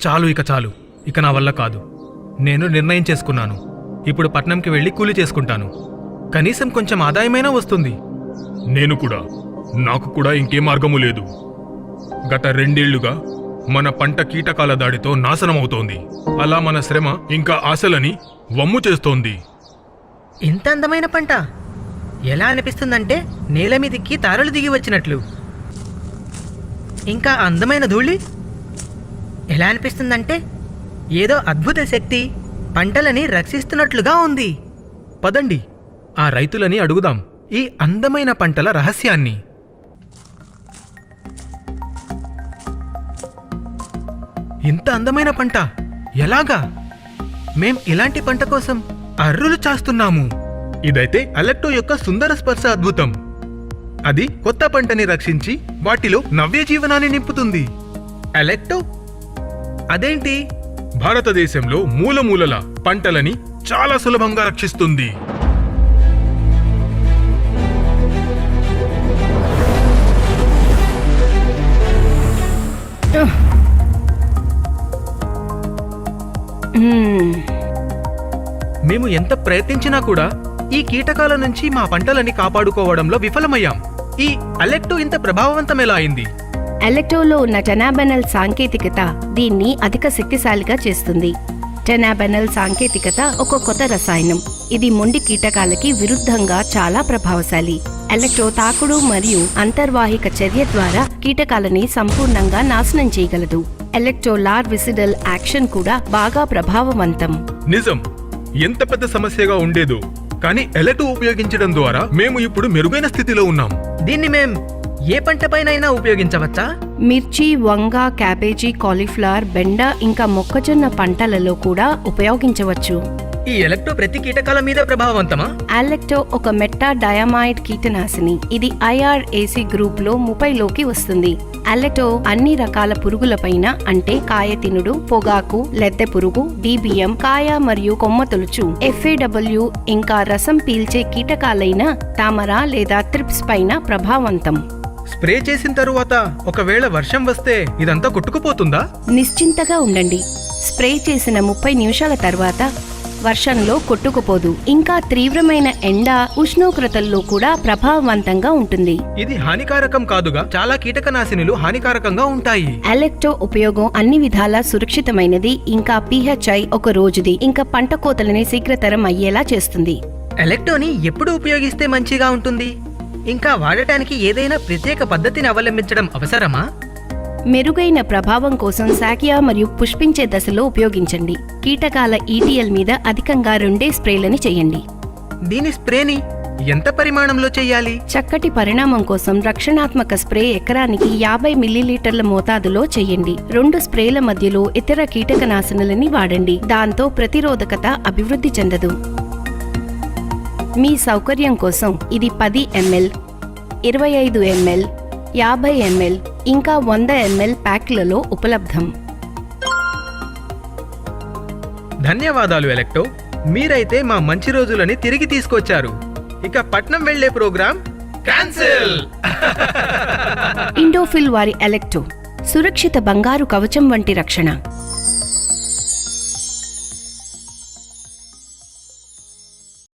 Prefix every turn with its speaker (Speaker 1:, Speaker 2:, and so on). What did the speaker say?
Speaker 1: చాలు ఇక నా వల్ల కాదు. నేను నిర్ణయం చేసుకున్నాను. ఇప్పుడు పట్నంకి వెళ్ళి కూలి చేసుకుంటాను. కనీసం కొంచెం ఆదాయమైనా వస్తుంది.
Speaker 2: నేను కూడా. నాకు కూడా ఇంకే మార్గము లేదు. గత 2 ఏళ్లుగా మన పంట కీటకాల దాడితో నాశనమవుతోంది. అలా మన శ్రమ ఇంకా ఆశలని వమ్ము చేస్తోంది.
Speaker 3: ఇంత అందమైన పంట ఎలా అనిపిస్తుందంటే నేల మీదికి తారలు దిగి వచ్చినట్లు. ఇంకా అందమైన ధూళి ఎలా అనిపిస్తుందంటే ఏదో అద్భుత శక్తి పంటలని రక్షిస్తున్నట్లుగా ఉంది.
Speaker 1: పదండి, ఆ రైతులని అడుగుదాం ఈ అందమైన పంటల రహస్యాన్ని. ఇంత అందమైన పంట ఎలాగా? మేం ఇలాంటి పంట కోసం అర్రులు చాస్తున్నాము. ఇదైతే అలెక్టో యొక్క సుందర స్పర్శ అద్భుతం. అది కొత్త పంటని రక్షించి వాటిలో నవ్య జీవనాన్ని నింపుతుంది. అలెక్టో అదేంటి?
Speaker 2: భారతదేశంలో మూలమూలల పంటలని చాలా సులభంగా రక్షిస్తుంది.
Speaker 1: మేము ఎంత ప్రయత్నించినా కూడా ఈ కీటకాల నుంచి మా పంటలని కాపాడుకోవడంలో విఫలమయ్యాం. ఈ అలెక్టో ఇంత ప్రభావవంతమేలా అయింది?
Speaker 4: అలెక్టోలో ఉన్న టెనాబెనల్ సాంకేతికత దీన్ని అధిక శక్తిశాలిగా చేస్తుంది. టెనాబెనల్ సాంకేతికత ఒక కొత్త రసాయనం. ఇది మొండి కీటకాలకి విరుద్ధంగా చాలా ప్రభావశాలి. అలెక్టో తాకుడు మరియు అంతర్వాహిక చర్య ద్వారా కీటకాలని సంపూర్ణంగా నాశనం చేయగలదు. అలెక్టో లార్విసిడల్ యాక్షన్ కూడా బాగా ప్రభావవంతం.
Speaker 2: నిజం. ఎంత పెద్ద సమస్యగా ఉండేదో, కానీ ఎలెక్టో ఉపయోగించడం ద్వారా మేము ఇప్పుడు మెరుగైన స్థితిలో ఉన్నాం.
Speaker 3: దీన్ని మేం ఏ పంటపైనైనా ఉపయోగించవచ్చా?
Speaker 4: మిర్చి, వంగ, క్యాబేజీ, కాలీఫ్లవర్, బెండ ఇంకా మొక్కజొన్న పంటలలో కూడా ఉపయోగించవచ్చు.
Speaker 3: ఈ ఎలెక్టో ప్రతి కీటకాల మీద ప్రభావవంతమా?
Speaker 4: అలెక్టో ఒక మెట్టా డయామైడ్ కీటనాశిని. ఇది IRAC గ్రూప్ లో 30లోకి వస్తుంది. అలెక్టో అన్ని రకాల పురుగులపైన అంటే కాయ తినుడు, పొగాకు, లెద్దె పురుగు, DBM, కాయ మరియు కొమ్మ తొలుచు, FAW ఇంకా రసం పీల్చే కీటకాలైన తామర లేదా త్రిప్స్ పైన ప్రభావవంతం.
Speaker 1: స్ప్రే చేసిన తరువాత ఒకవేళ వర్షం వస్తే ఇదంతా కొట్టుకుపోతుందా?
Speaker 4: నిశ్చింతగా ఉండండి. స్ప్రే చేసిన 30 నిమిషాల తర్వాత వర్షంలో కొట్టుకుపోదు. ఇంకా తీవ్రమైన ఎండ, ఉష్ణోగ్రతల్లో కూడా ప్రభావవంతంగా ఉంటుంది.
Speaker 1: ఇది హానికారకం కాదుగా? చాలా కీటకనాశినులు హానికారకంగా ఉంటాయి.
Speaker 4: అలెక్టో ఉపయోగం అన్ని విధాలా సురక్షితమైనది. ఇంకా PHI 1 రోజుది. ఇంకా పంట కోతలని శీఘ్రతరం అయ్యేలా చేస్తుంది.
Speaker 3: ఎలెక్టోని ఎప్పుడు ఉపయోగిస్తే మంచిగా ఉంటుంది? ఇంకా వాడటానికి ఏదైనా ప్రత్యేక పద్ధతిని అవలంబించడం అవసరమా?
Speaker 4: మెరుగైన ప్రభావం కోసం శాఖియా మరియు పుష్పించే దశలో ఉపయోగించండి. కీటకాల ETL మీద అధికంగా 2 స్ప్రేలని చేయండి.
Speaker 1: దీని స్ప్రేని ఎంత పరిమాణంలో చేయాలి?
Speaker 4: చక్కటి పరిణామం కోసం రక్షణాత్మక స్ప్రే ఎకరానికి 50 మిల్లీలీటర్ల మోతాదులో చేయండి. 2 స్ప్రేల మధ్యలో ఇతర కీటకనాశనలని వాడండి. దాంతో ప్రతిరోధకత అభివృద్ధి చెందదు. మీ సౌకర్యం కోసం ఇది 10 ml, 25 ml, 50 ml ఇంకా 100 ml ప్యాక్లలో ఉపలబ్ధం.
Speaker 1: ధన్యవాదాలు ఎలెక్టో. మీరైతే మా మంచి రోజులని తిరిగి తీసుకొచ్చారు. ఇక పట్నం వెళ్లే ప్రోగ్రాం క్యాన్సిల్.
Speaker 4: ఇండోఫిల్ వారి అలెక్టో సురక్షిత బంగారు కవచం వంటి రక్షణ.